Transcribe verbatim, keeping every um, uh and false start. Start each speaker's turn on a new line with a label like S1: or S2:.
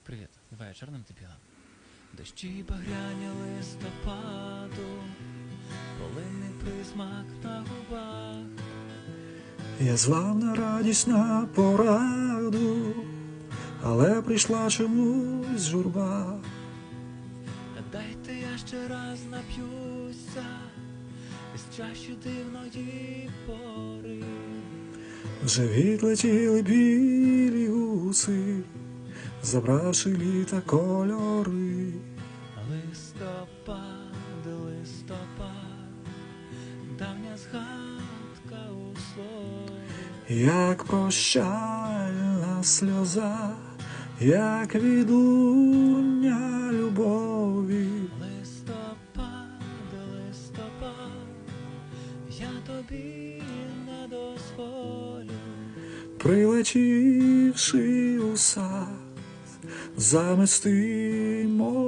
S1: Привіт, вечором ти піла. Дощі багряні листопаду, полинний присмак на губах.
S2: Я звав на радість на пораду, але прийшла чомусь журба.
S1: Дайте я ще раз нап'юся із чаші дивної пори.
S2: Вже відлетіли білі гуси, забравши літа кольори.
S1: Листопад, листопад, давня згадка у слові.
S2: Як прощальна сльоза, як відлуння любові.
S1: Листопад, листопад, я тобі не дозволю.
S2: Прилетівши у сад, замести